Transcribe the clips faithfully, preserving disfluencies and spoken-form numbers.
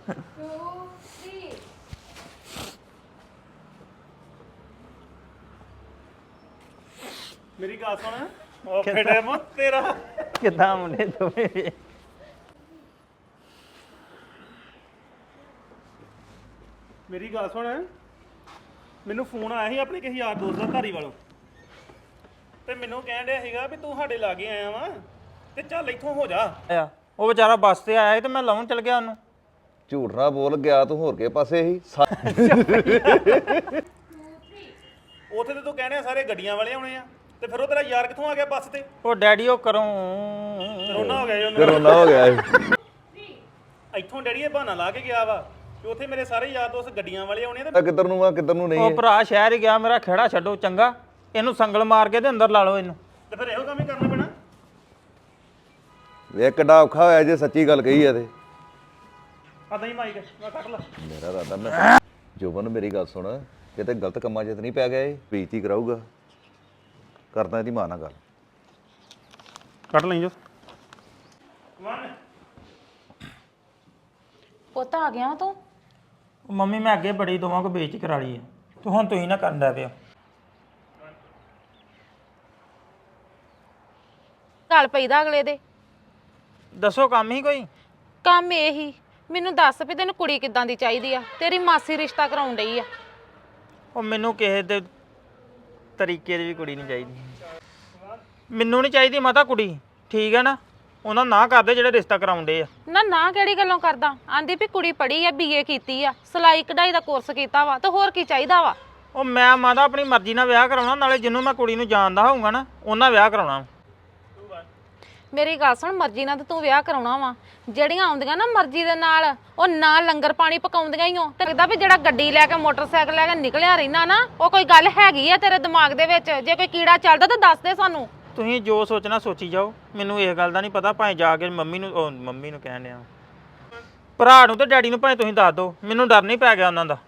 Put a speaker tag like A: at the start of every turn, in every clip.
A: ਮੇਰੀ ਗੱਲ ਸੁਣ ਉਹ ਫੇੜੇ ਮੋ ਤੇਰਾ
B: ਕਿੱਦਾਂ ਮੁੰਡੇ ਦੋਵੇਂ
A: ਮੇਰੀ ਗੱਲ ਸੁਣ ਮੈਨੂੰ ਫੋਨ ਆਇਆ ਸੀ ਆਪਣੇ ਕਿਸੇ ਯਾਰ ਦੋਸਤ ਦਾ ਧਾਰੀ ਵਾਲੋਂ ਤੇ ਮੈਨੂੰ ਕਹਿਣ ਡਿਆ ਸੀਗਾ ਵੀ ਤੂੰ ਸਾਡੇ ਲਾਗੇ ਆਇਆ ਵਾ ਤੇ ਚੱਲ ਇੱਥੋਂ ਹੋ ਜਾ
B: ਆ ਉਹ ਵਿਚਾਰਾ ਬੱਸ ਤੇ ਆਇਆ ਸੀ ਤੇ ਮੈਂ ਲਾਉਣ ਚਲ ਗਿਆ ਉਹਨੂੰ
C: ਝੂਠ ਨਾ ਬੋਲ ਗਿਆ ਤੂੰ ਹੋਰ ਕੇ ਪਾਸੇ ਹੀ
A: ਉੱਥੇ ਤੇ ਤੂੰ ਕਹਿਣਿਆ ਸਾਰੇ ਗੱਡੀਆਂ ਵਾਲੇ ਆਉਣੇ ਆ ਤੇ ਫਿਰ ਉਹ ਤੇਰਾ ਯਾਰ ਕਿੱਥੋਂ ਆ ਗਿਆ ਬੱਸ ਤੇ
B: ਉਹ ਡੈਡੀ ਉਹ ਕਰੂੰ
A: ਕਰੋਨਾ ਹੋ ਗਿਆ ਜੀ ਉਹਨੂੰ
C: ਕਰੋਨਾ ਹੋ ਗਿਆ
A: ਇੱਥੋਂ ਡੈਡੀ ਇਹ ਬਹਾਨਾ ਲਾ ਕੇ ਗਿਆ ਵਾ ਕਿ ਉੱਥੇ ਮੇਰੇ ਸਾਰੇ ਯਾਰ ਦੋਸਤ ਗੱਡੀਆਂ ਵਾਲੇ ਆਉਣੇ ਆ ਤੇ
C: ਕਿੱਧਰ ਨੂੰ ਆ ਕਿੱਧਰ ਨੂੰ ਨਹੀਂ
B: ਉਹ ਭਰਾ ਸ਼ਹਿਰ ਹੀ ਗਿਆ ਮੇਰਾ ਖੇੜਾ ਛੱਡੋ ਚੰਗਾ ਇਹਨੂੰ ਸੰਗਲ ਮਾਰ ਕੇ ਤੇ ਅੰਦਰ ਲਾ ਲਓ ਇਹਨੂੰ
A: ਤੇ ਫਿਰ ਇਹੋ ਕੰਮ ਹੀ ਕਰਨਾ ਪੈਣਾ
C: ਵੇ ਕਿੱਡਾ ਔਖਾ ਹੋਇਆ ਜੇ ਸੱਚੀ ਗੱਲ ਕਹੀ ਆ ਤੇ
A: ਆ ਨਹੀਂ ਮਾਈਕ ਮੈਂ ਕੱਟ ਲਾ
C: ਮੇਰਾ ਰਾਦਾ ਮੈਂ ਜੋਬਨ ਮੇਰੀ ਗੱਲ ਸੁਣ ਕਿਤੇ ਗਲਤ ਕੰਮਾਂ 'ਚ ਤਾਂ ਨਹੀਂ ਪੈ ਗਿਆ ਇਹ ਬੇਇੱਜ਼ਤੀ ਕਰਾਊਗਾ ਕਰਦਾ ਇਹਦੀ ਮਾਂ ਨਾਲ ਗੱਲ
A: ਕੱਟ ਲਈ ਜੋ
D: ਪੁੱਤ ਆ ਗਿਆ ਤੂੰ
B: ਉਹ ਮੰਮੀ ਮੈਂ ਅੱਗੇ ਬੜੀ ਦੋਵਾਂ ਕੋ ਬੇਇੱਜ਼ਤੀ ਕਰਾ ਲਈ ਹੈ ਤੂੰ ਹੁਣ ਤੁਸੀਂ ਨਾ ਕਰਨ ਦਾ ਪਿਆ
D: ਗੱਲ ਪਈਦਾ ਅਗਲੇ ਦੇ
B: ਦੱਸੋ ਕੰਮ ਹੀ ਕੋਈ
D: ਕੰਮ ਇਹ ਹੀ ਮੈਨੂੰ ਦੱਸ ਵੀ ਤੈਨੂੰ ਕੁੜੀ ਕਿੱਦਾਂ ਦੀ ਚਾਹੀਦੀ ਆ ਤੇਰੀ ਮਾਸੀ ਰਿਸ਼ਤਾ ਕਰਾਉਣ ਡਈ ਆ
B: ਉਹ ਮੈਨੂੰ ਕਿਸੇ ਦੇ ਤਰੀਕੇ ਦੀ ਵੀ ਕੁੜੀ ਨਹੀਂ ਚਾਹੀਦੀ ਮੈਨੂੰ ਨਹੀਂ ਚਾਹੀਦੀ ਮਾਤਾ ਕੁੜੀ ਠੀਕ ਹੈ ਨਾ ਉਹਨਾਂ ਨਾ ਕਰਦੇ ਜਿਹੜੇ ਰਿਸ਼ਤਾ ਕਰਾਉਂਦੇ ਆ
D: ਨਾ ਨਾ ਕਿਹੜੀ ਗੱਲੋਂ ਕਰਦਾ ਆਂਦੀ ਵੀ ਕੁੜੀ ਪੜ੍ਹੀ ਆ ਬੀਏ ਕੀਤੀ ਆ ਸਿਲਾਈ ਕਢਾਈ ਦਾ ਕੋਰਸ ਕੀਤਾ ਵਾ ਤੇ ਹੋਰ ਕੀ ਚਾਹੀਦਾ ਵਾ
B: ਉਹ ਮੈਂ ਮਾਤਾ ਆਪਣੀ ਮਰਜ਼ੀ ਨਾਲ ਵਿਆਹ ਕਰਾਉਣਾ ਨਾਲੇ ਜਿਹਨੂੰ ਮੈਂ ਕੁੜੀ ਨੂੰ ਜਾਣਦਾ ਹੋਊਗਾ ਨਾ ਉਹਨਾਂ ਵਿਆਹ ਕਰਾਉਣਾ
D: ਮੇਰੀ ਗੱਲ ਸੁਣ ਮਰਜ਼ੀ ਨਾਲ ਤੇ ਤੂੰ ਵਿਆਹ ਕਰਾਉਣਾ ਵਾ ਜਿਹੜੀਆਂ ਆਉਂਦੀਆਂ ਨਾ ਮਰਜ਼ੀ ਦੇ ਨਾਲ ਉਹ ਨਾ ਲੰਗਰ ਪਾਣੀ ਪਕਾਉਂਦੀਆਂ ਹੀ ਹੋ ਤੇ ਲੱਗਦਾ ਵੀ ਜਿਹੜਾ ਗੱਡੀ ਲੈ ਕੇ ਮੋਟਰਸਾਈਕਲ ਲੈ ਕੇ ਨਿਕਲਿਆ ਰਹਿਣਾ ਨਾ ਉਹ ਕੋਈ ਗੱਲ ਹੈਗੀ ਆ ਤੇਰੇ ਦਿਮਾਗ ਦੇ ਵਿੱਚ ਜੇ ਕੋਈ ਕੀੜਾ ਚੱਲਦਾ ਤਾਂ ਦੱਸ ਦੇ ਸਾਨੂੰ
B: ਤੁਸੀਂ ਜੋ ਸੋਚਣਾ ਸੋਚੀ ਜਾਓ ਮੈਨੂੰ ਇਸ ਗੱਲ ਦਾ ਨਹੀਂ ਪਤਾ ਭਾਵੇਂ ਜਾ ਕੇ ਮੰਮੀ ਨੂੰ ਉਹ ਮੰਮੀ ਨੂੰ ਕਹਿਣ ਡਿਆ ਭਰਾ ਨੂੰ ਤੇ ਡੈਡੀ ਨੂੰ ਭਾਵੇਂ ਤੁਸੀਂ ਦੱਸ ਦਿਓ ਮੈਨੂੰ ਡਰ ਨਹੀਂ ਪੈ ਗਿਆ ਉਹਨਾਂ ਦਾ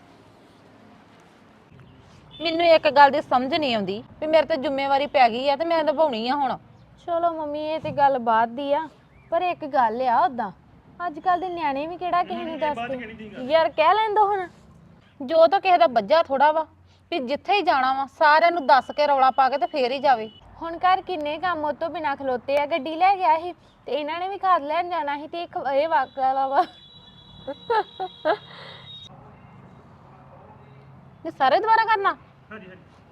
D: ਮੈਨੂੰ ਇੱਕ ਗੱਲ ਦੀ ਸਮਝ ਨਹੀਂ ਆਉਂਦੀ ਵੀ ਮੇਰੇ ਤੇ ਜ਼ਿੰਮੇਵਾਰੀ ਪੈ ਗਈ ਆ ਤੇ ਮੈਂ ਨਿਭਾਉਣੀ ਆ ਹੁਣ
E: ਚਲੋ ਮੰਮੀ ਇਹ ਤੇ ਗੱਲ ਬਾਤ ਦੀ ਆ ਪਰ ਇੱਕ ਗੱਲ ਆ ਉਦਾਂ ਅੱਜ ਕੱਲ ਦੇ ਨਿਆਣੇ ਵੀ ਕਿਹੜਾ ਕਿਸੇ ਨੂੰ ਦੱਸਦੇ
D: ਯਾਰ ਕਹਿ ਲੈਂਦੋ ਹੁਣ ਜੋ ਤਾਂ ਕਿਸੇ ਦਾ ਬੱਜਾ ਥੋੜਾ ਵਾ ਵੀ ਜਿੱਥੇ ਹੀ ਜਾਣਾ ਵਾ ਸਾਰਿਆਂ ਨੂੰ ਦੱਸ ਕੇ ਰੌਲਾ ਪਾ ਕੇ ਤੇ ਫੇਰ ਹੀ ਜਾਵੇ
E: ਹੁਣ ਘਰ ਕਿੰਨੇ ਕੰਮ ਉਹ ਤੋਂ ਬਿਨਾ ਖਲੋਤੇ ਆ ਗੱਡੀ ਲੈ ਗਿਆ ਸੀ ਤੇ ਇਹਨਾਂ ਨੇ ਵੀ ਖਾਦ ਲੈਣ ਜਾਣਾ ਸੀ ਤੇ ਇੱਕ ਇਹ ਵਾਕਾ ਵਾ
D: ਇਹ ਸਾਰੇ ਦੁਬਾਰਾ ਕਰਨਾ
A: ਹਾਂਜੀ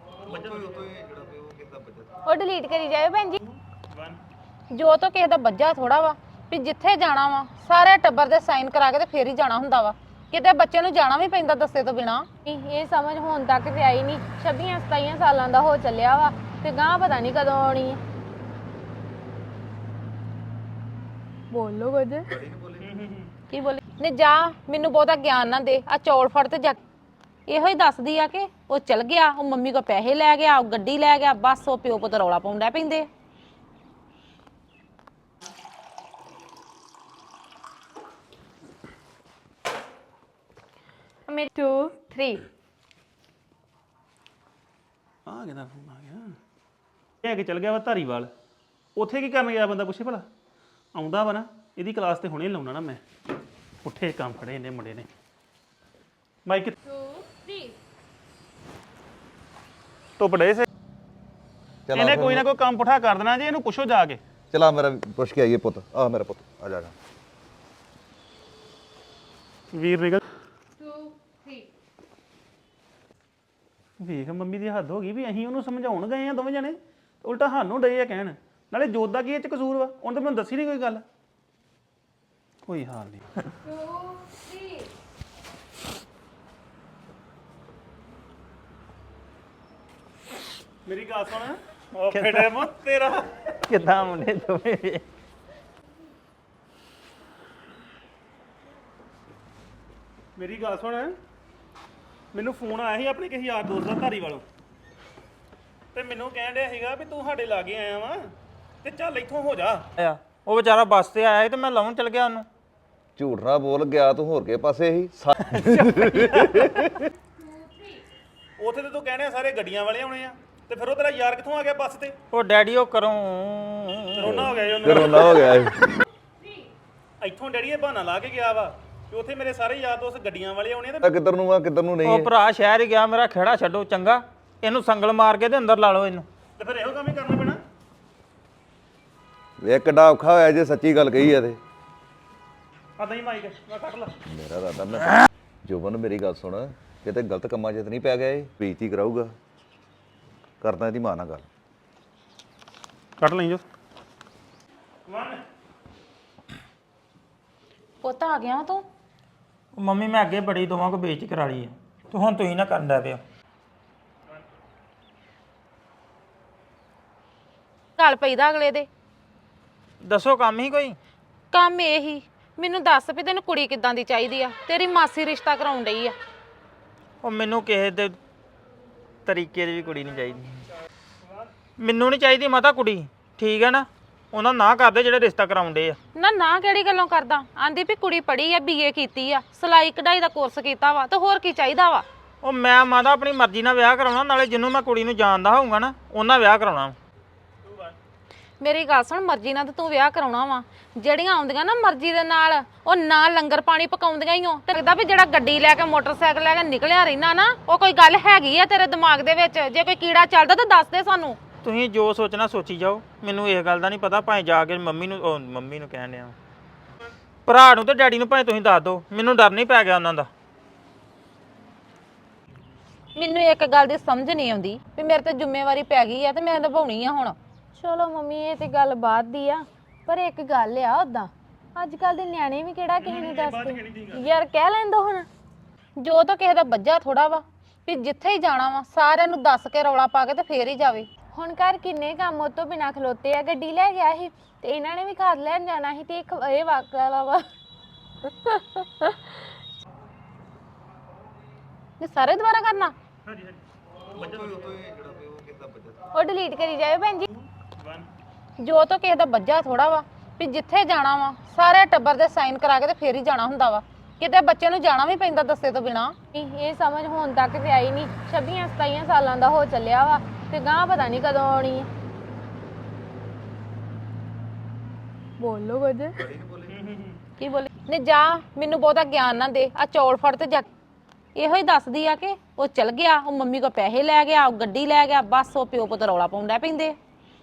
E: ਉਹ ਡਿਲੀਟ ਕਰੀ ਜਾਵੇ ਭੈਣ ਜੀ
D: ਜੋ ਤਾਂ ਕਿਸੇ ਦਾ ਬੱਜਾ ਥੋੜਾ ਵਾ ਵੀ ਜਿੱਥੇ ਜਾਣਾ ਵਾ ਸਾਰੇ ਟੱਬਰ ਦੇ ਸਾਈਨ ਕਰਾ ਕੇ ਤੇ ਫੇਰ ਹੀ ਜਾਣਾ ਹੁੰਦਾ ਵਾ ਕਿਤੇ ਬੱਚੇ ਨੂੰ ਜਾਣਾ ਵੀ ਪੈਂਦਾ ਦੱਸੇ ਤੋਂ ਬਿਨਾ
E: ਇਹ ਸਮਝ ਹੁਣ ਤੱਕ ਤੇ ਆਈ ਨਹੀਂ ਛੱਬੀ ਸਤਾਈ ਸਾਲਾਂ ਦਾ ਹੋ ਚੱਲਿਆ ਵਾ ਤੇ ਗਾਂ ਪਤਾ ਨਹੀਂ ਕਦੋਂ ਆਉਣੀ ਹੈ ਬੋਲੋ ਕੁਝ
D: ਕੀ ਬੋਲੀ ਨੇ ਜਾ ਮੈਨੂੰ ਬਹੁਤਾ ਗਿਆਨ ਨਾ ਦੇ ਆ ਚੌਲ ਫੜ ਤੇ ਜਾ ਇਹੋ ਹੀ ਦੱਸਦੀ ਆ ਕਿ ਉਹ ਚਲ ਗਿਆ ਉਹ ਮੰਮੀ ਕੋ ਪੈਸੇ ਲੈ ਗਿਆ ਉਹ ਗੱਡੀ ਲੈ ਗਿਆ ਬਸ ਉਹ ਪਿਓ ਪੁੱਤ ਰੌਲਾ ਪਾਉਂਦਾ ਪੈਂਦੇ
E: ਮੇਰੇ two three
A: ਆ ਕਿਹਦਾ ਫੋਨ ਆ ਗਿਆ ਇਹ ਕਿ ਚਲ ਗਿਆ ਵਾ ਧਾਰੀਵਾਲ ਉੱਥੇ ਕੀ ਕਰਨ ਗਿਆ ਬੰਦਾ ਪੁੱਛੇ ਭਲਾ ਆਉਂਦਾ ਵਾ ਨਾ ਇਹਦੀ ਕਲਾਸ ਤੇ ਹੁਣੇ ਲਾਉਣਾ ਨਾ ਮੈਂ ਉੱਠੇ ਕੰਮ ਫੜੇ ਇਹਨੇ ਮੁੰਡੇ ਨੇ ਮਾਈਕ
E: two three
A: ਧੁੱਪ ਡੇ ਸੇ
C: ਚਲਾ
A: ਇਹਨੇ ਕੋਈ ਨਾ ਕੋਈ ਕੰਮ ਪੁੱਠਾ ਕਰ ਦੇਣਾ ਜੇ ਇਹਨੂੰ ਪੁੱਛੋ ਜਾ ਕੇ
C: ਚਲਾ ਮੇਰਾ ਪੁੱਛ ਕੇ ਆਈਏ ਪੁੱਤ ਆ ਮੇਰਾ ਪੁੱਤ ਆ ਜਾ
A: ਵੀਰ ਨਿਕਲ
E: two three
A: ਵੇਖ ਮੰਮੀ ਦੀ ਹੱਦ ਹੋ ਗਈ ਵੀ ਅਸੀਂ ਉਹਨੂੰ ਸਮਝਾਉਣ ਗਏ ਆ ਦੋਵੇਂ ਜਣੇ ਉਲਟਾ ਸਾਨੂੰ ਡਏ ਆ ਕਹਿਣ ਨਾਲੇ ਜੋਤ ਦਾ ਕੀ ਇਹ ਚ ਕਸੂਰ ਵਾ ਉਹਨੇ ਤਾਂ ਮੈਨੂੰ ਦੱਸੀ ਨਹੀਂ ਕੋਈ ਗੱਲ ਕੋਈ ਹਾਲ ਨਹੀਂ
E: two three
A: ਮੇਰੀ ਗੱਲ ਸੁਣ ਉਹ ਫੇੜੇ ਮੋ ਤੇਰਾ
B: ਕਿੱਦਾਂ ਮੁੰਡੇ ਦੋਵੇਂ
A: ਮੇਰੀ ਗੱਲ ਸੁਣ ਮੈਨੂੰ ਫੋਨ ਆਇਆ ਸੀ ਆਪਣੇ ਕਿਸੇ ਯਾਰ ਦੋਸਤ ਦਾ ਧਾਰੀ ਵਾਲੋਂ ਤੇ ਮੈਨੂੰ ਕਹਿਣ ਡਿਆ ਸੀਗਾ ਵੀ ਤੂੰ ਸਾਡੇ ਲਾਗੇ ਆਇਆ ਵਾ ਤੇ ਚੱਲ ਇੱਥੋਂ ਹੋ ਜਾ
B: ਆ ਉਹ ਵਿਚਾਰਾ ਬੱਸ ਤੇ ਆਇਆ ਸੀ ਤੇ ਮੈਂ ਲਾਉਣ ਚਲ ਗਿਆ ਉਹਨੂੰ
C: ਝੂਠ ਨਾ ਬੋਲ ਗਿਆ ਤੂੰ ਹੋਰ ਕੇ ਪਾਸੇ ਹੀ
A: ਉੱਥੇ ਤੇ ਤੂੰ ਕਹਿਣਿਆ ਸਾਰੇ ਗੱਡੀਆਂ ਵਾਲੇ ਆਉਣੇ ਆ ਤੇ ਫਿਰ ਉਹ ਤੇਰਾ ਯਾਰ ਕਿੱਥੋਂ ਆ ਗਿਆ ਬੱਸ ਤੇ
B: ਉਹ ਡੈਡੀ ਉਹ ਕਰੂੰ
A: ਕਰੋਨਾ ਹੋ ਗਿਆ ਜੀ ਉਹਨੂੰ
C: ਕਰੋਨਾ ਹੋ ਗਿਆ
A: ਇੱਥੋਂ ਡੈਡੀ ਇਹ ਬਹਾਨਾ ਲਾ ਕੇ ਗਿਆ ਵਾ ਕਿ ਉੱਥੇ ਮੇਰੇ ਸਾਰੇ ਯਾਰ ਦੋਸਤ ਗੱਡੀਆਂ ਵਾਲੇ ਆਉਣੇ ਤੇ
C: ਆ ਕਿੱਧਰ ਨੂੰ ਆ ਕਿੱਧਰ ਨੂੰ ਨਹੀਂ
B: ਉਹ
C: ਹੈ।
B: ਭਰਾ ਸ਼ਹਿਰ ਹੀ ਗਿਆ ਮੇਰਾ ਖੇੜਾ ਛੱਡੋ ਚੰਗਾ ਇਹਨੂੰ ਸੰਗਲ ਮਾਰ ਕੇ ਤੇ ਅੰਦਰ ਲਾ ਲਓ ਇਹਨੂੰ
A: ਤੇ ਫਿਰ ਇਹੋ ਕੰਮ ਹੀ ਕਰਨਾ ਪੈਣਾ
C: ਵੇਖ ਕਿੱਡਾ ਔਖਾ ਹੋਇਆ ਜੇ ਸੱਚੀ ਗੱਲ ਕਹੀ ਆ ਤੇ
A: ਆਦਾ ਹੀ ਮਾਈਕ ਮੈਂ ਕੱਢ ਲਾ
C: ਮੇਰਾ ਦਾਦਾ ਮੈਂ ਜੋਬਨ ਮੇਰੀ ਗੱਲ ਸੁਣ ਕਿਤੇ ਗਲਤ ਕੰਮਾਂ 'ਚ ਤਾਂ ਨਹੀਂ ਪੈ ਗਿਆ ਇਹ ਬੇਇੱਜ਼ਤੀ ਕਰਾਊਗਾ ਕਰਦਾ ਇਹਦੀ ਮਾਂ ਨਾਲ ਗੱਲ
A: ਕੱਢ ਲਈ ਜੋ
D: ਪੁੱਤ ਆ ਗਿਆ ਤੂੰ
B: ਉਹ ਮੰਮੀ ਮੈਂ ਅੱਗੇ ਬੜੀ ਦੋਵਾਂ ਕੋ ਬੇਇੱਜ਼ਤੀ ਕਰਾ ਲਈ ਆ ਤੂੰ ਹੁਣ ਤੁਸੀਂ ਨਾ ਕਰਨ ਡੈ ਪਿਆ
D: ਗੱਲ ਪਈਦਾ ਅਗਲੇ ਦੇ
B: ਦੱਸੋ ਕੰਮ ਹੀ ਕੋਈ
D: ਕੰਮ ਇਹ ਹੀ ਮੈਨੂੰ ਦੱਸ ਵੀ ਤੈਨੂੰ ਕੁੜੀ ਕਿੱਦਾਂ ਦੀ ਚਾਹੀਦੀ ਆ ਤੇਰੀ ਮਾਸੀ ਰਿਸ਼ਤਾ ਕਰਾਉਣ ਡਈ ਆ
B: ਉਹ ਮੈਨੂੰ ਕਿਸੇ ਦੇ ਤਰੀਕੇ ਦੀ ਵੀ ਕੁੜੀ ਨਹੀਂ ਚਾਹੀਦੀ ਮੈਨੂੰ ਨਹੀਂ ਚਾਹੀਦੀ ਮਾਤਾ ਕੁੜੀ ਠੀਕ ਹੈ ਨਾ ਉਹਨਾਂ ਨਾ ਕਰਦੇ ਜਿਹੜੇ ਰਿਸ਼ਤਾ ਕਰਾਉਂਦੇ ਆ
D: ਨਾ ਨਾ ਕਿਹੜੀ ਗੱਲੋਂ ਕਰਦਾ ਆਂਦੀ ਵੀ ਕੁੜੀ ਪੜ੍ਹੀ ਆ ਬੀਏ ਕੀਤੀ ਆ ਸਿਲਾਈ ਕਢਾਈ ਦਾ ਕੋਰਸ ਕੀਤਾ ਵਾ ਤੇ ਹੋਰ ਕੀ ਚਾਹੀਦਾ ਵਾ
B: ਉਹ ਮੈਂ ਮਾਤਾ ਆਪਣੀ ਮਰਜ਼ੀ ਨਾਲ ਵਿਆਹ ਕਰਾਉਣਾ ਨਾਲੇ ਜਿਹਨੂੰ ਮੈਂ ਕੁੜੀ ਨੂੰ ਜਾਣਦਾ ਹੋਊਗਾ ਨਾ ਉਹਨਾਂ ਵਿਆਹ ਕਰਾਉਣਾ
D: ਮੇਰੀ ਗੱਲ ਸੁਣ ਮਰਜ਼ੀ ਨਾਲ ਤੇ ਤੂੰ ਵਿਆਹ ਕਰਾਉਣਾ ਵਾ ਜਿਹੜੀਆਂ ਆਉਂਦੀਆਂ ਨਾ ਮਰਜ਼ੀ ਦੇ ਨਾਲ ਉਹ ਨਾ ਲੰਗਰ ਪਾਣੀ ਪਕਾਉਂਦੀਆਂ ਹੀ ਹੋ ਤੇ ਲੱਗਦਾ ਵੀ ਜਿਹੜਾ ਗੱਡੀ ਲੈ ਕੇ ਮੋਟਰਸਾਈਕਲ ਲੈ ਕੇ ਨਿਕਲਿਆ ਰਹਿਣਾ ਨਾ ਉਹ ਕੋਈ ਗੱਲ ਹੈਗੀ ਆ ਤੇਰੇ ਦਿਮਾਗ ਦੇ ਵਿੱਚ ਜੇ ਕੋਈ ਕੀੜਾ ਚੱਲਦਾ ਤਾਂ ਦੱਸ ਦੇ ਸਾਨੂੰ
B: ਤੁਸੀਂ ਜੋ ਸੋਚਣਾ ਸੋਚੀ ਜਾਓ ਮੈਨੂੰ ਇਸ ਗੱਲ ਦਾ ਨਹੀਂ ਪਤਾ ਭਾਵੇਂ ਜਾ ਕੇ ਮੰਮੀ ਨੂੰ ਉਹ ਮੰਮੀ ਨੂੰ ਕਹਿਣ ਡਿਆ ਭਰਾ ਨੂੰ ਤੇ ਡੈਡੀ ਨੂੰ ਭਾਵੇਂ ਤੁਸੀਂ ਦੱਸ ਦਿਓ ਮੈਨੂੰ ਡਰ ਨਹੀਂ ਪੈ ਗਿਆ ਉਹਨਾਂ ਦਾ
D: ਮੈਨੂੰ ਇੱਕ ਗੱਲ ਦੀ ਸਮਝ ਨਹੀਂ ਆਉਂਦੀ ਵੀ ਮੇਰੇ ਤੇ ਜ਼ਿੰਮੇਵਾਰੀ ਪੈ ਗਈ ਆ ਤੇ ਮੈਂ ਨਿਭਾਉਣੀ ਆ ਹੁਣ
E: ਚਲੋ ਮੰਮੀ ਇਹ ਤੇ ਗੱਲ ਬਾਤ ਦੀ ਆ ਪਰ ਇੱਕ ਗੱਲ ਆ ਉਦਾਂ ਅੱਜ ਕੱਲ ਦੇ ਨਿਆਣੇ ਵੀ ਕਿਹੜਾ ਕਿਸੇ ਨੂੰ ਦੱਸਦੇ ਯਾਰ ਕਹਿ ਲੈਂਦੋ ਹੁਣ
D: ਜੋ ਤਾਂ ਕਿਸੇ ਦਾ ਬੱਜਾ ਥੋੜਾ ਵਾ ਵੀ ਜਿੱਥੇ ਹੀ ਜਾਣਾ ਵਾ ਸਾਰਿਆਂ ਨੂੰ ਦੱਸ ਕੇ ਰੌਲਾ ਪਾ ਕੇ ਤੇ ਫੇਰ ਹੀ ਜਾਵੇ
E: ਹੁਣ ਘਰ ਕਿੰਨੇ ਕੰਮ ਉਹ ਤੋਂ ਬਿਨਾਂ ਖਲੋਤੇ ਆ ਗੱਡੀ ਲੈ ਗਿਆ ਸੀ ਤੇ ਇਹਨਾਂ ਨੇ ਵੀ ਖਾਦ ਲੈਣ ਜਾਣਾ ਸੀ ਤੇ ਇੱਕ ਇਹ ਵਾਕਲਾ ਵਾ
D: ਇਹ ਸਾਰੇ ਦੁਬਾਰਾ ਕਰਨਾ
E: ਉਹ ਡਿਲੀਟ ਕਰੀ ਜਾਵੇ ਭੈਣ ਜੀ
D: ਜੋ ਤਾਂ ਕਿਸੇ ਦਾ ਬੱਜਾ ਥੋੜਾ ਵਾ ਵੀ ਜਿੱਥੇ ਜਾਣਾ ਵਾ ਸਾਰੇ ਟੱਬਰ ਦੇ ਸਾਈਨ ਕਰਾ ਕੇ ਤੇ ਫੇਰ ਹੀ ਜਾਣਾ ਹੁੰਦਾ ਵਾ ਕਿਤੇ ਬੱਚੇ ਨੂੰ ਜਾਣਾ ਵੀ ਪੈਂਦਾ ਦੱਸੇ ਤੋਂ ਬਿਨਾ
E: ਇਹ ਇਹ ਸਮਝ ਹੁਣ ਤੱਕ ਤੇ ਆਈ ਨਹੀਂ ਛੱਬੀ ਸਤਾਈ ਸਾਲਾਂ ਦਾ ਹੋ ਚੱਲਿਆ ਵਾ ਤੇ ਗਾਂ ਪਤਾ ਨਹੀਂ ਕਦੋਂ ਆਉਣੀ ਹੈ ਬੋਲੋ ਕੁਝ
D: ਕੀ ਬੋਲੇ ਨੇ ਜਾ ਮੈਨੂੰ ਬਹੁਤਾ ਗਿਆਨ ਨਾ ਦੇ ਆ ਚੌਲ ਫੜ ਤੇ ਜਾ ਇਹੋ ਹੀ ਦੱਸਦੀ ਆ ਕਿ ਉਹ ਚਲ ਗਿਆ ਉਹ ਮੰਮੀ ਕੋ ਪੈਸੇ ਲੈ ਗਿਆ ਉਹ ਗੱਡੀ ਲੈ ਗਿਆ ਬਸ ਉਹ ਪਿਓ ਪੁੱਤ ਰੌਲਾ ਪਾਉਂਦਾ ਪੈਂਦੇ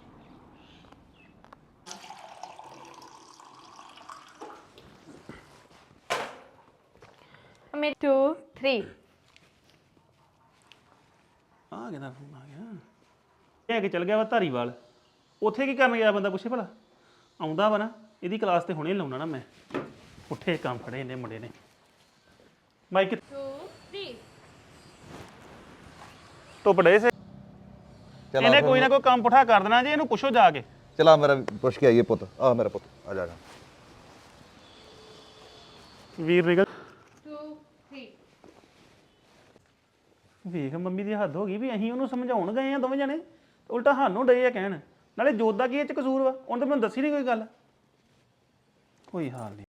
E: ਮੇਰੇ two three
A: ਆ ਕਿਹਦਾ ਫੋਨ ਆ ਗਿਆ ਇਹ ਕਿ ਚਲ ਗਿਆ ਵਾ ਧਾਰੀਵਾਲ ਉੱਥੇ ਕੀ ਕਰਨ ਗਿਆ ਬੰਦਾ ਪੁੱਛੇ ਭਲਾ ਆਉਂਦਾ ਵਾ ਨਾ ਇਹਦੀ ਕਲਾਸ ਤੇ ਹੁਣੇ ਲਾਉਣਾ ਨਾ ਮੈਂ ਉੱਠੇ ਕੰਮ ਫੜੇ ਇਹਨੇ ਮੁੰਡੇ ਨੇ ਮਾਈਕ
E: two three
A: ਤੋਂ ਪੜੇ ਸੇ
C: ਚਲ
A: ਇਹਨੇ ਕੋਈ ਨਾ ਕੋਈ ਕੰਮ ਪੁੱਠਾ ਕਰ ਦੇਣਾ ਜੇ ਇਹਨੂੰ ਪੁੱਛੋ ਜਾ ਕੇ
C: ਚਲਾ ਮੇਰਾ ਪੁੱਛ ਕੇ ਆਈਏ ਪੁੱਤ ਆ ਮੇਰਾ ਪੁੱਤ ਆ ਜਾ ਜਾ
A: ਵੀਰ ਨਿਕਲ
E: two three
A: ਵੇਖ ਮੰਮੀ ਦੀ ਹੱਦ ਹੋ ਗਈ ਵੀ ਅਸੀਂ ਉਹਨੂੰ ਸਮਝਾਉਣ ਗਏ ਆ ਦੋਵੇਂ ਜਣੇ ਉਲਟਾ ਸਾਨੂੰ ਡਏ ਆ ਕਹਿਣ ਨਾਲੇ ਜੋਤ ਦਾ ਕੀ ਇਹ ਚ ਕਸੂਰ ਵਾ ਉਹਨੇ ਤਾਂ ਮੈਨੂੰ ਦੱਸੀ ਨਹੀਂ ਕੋਈ ਗੱਲ ਕੋਈ ਹਾਲ ਨਹੀਂ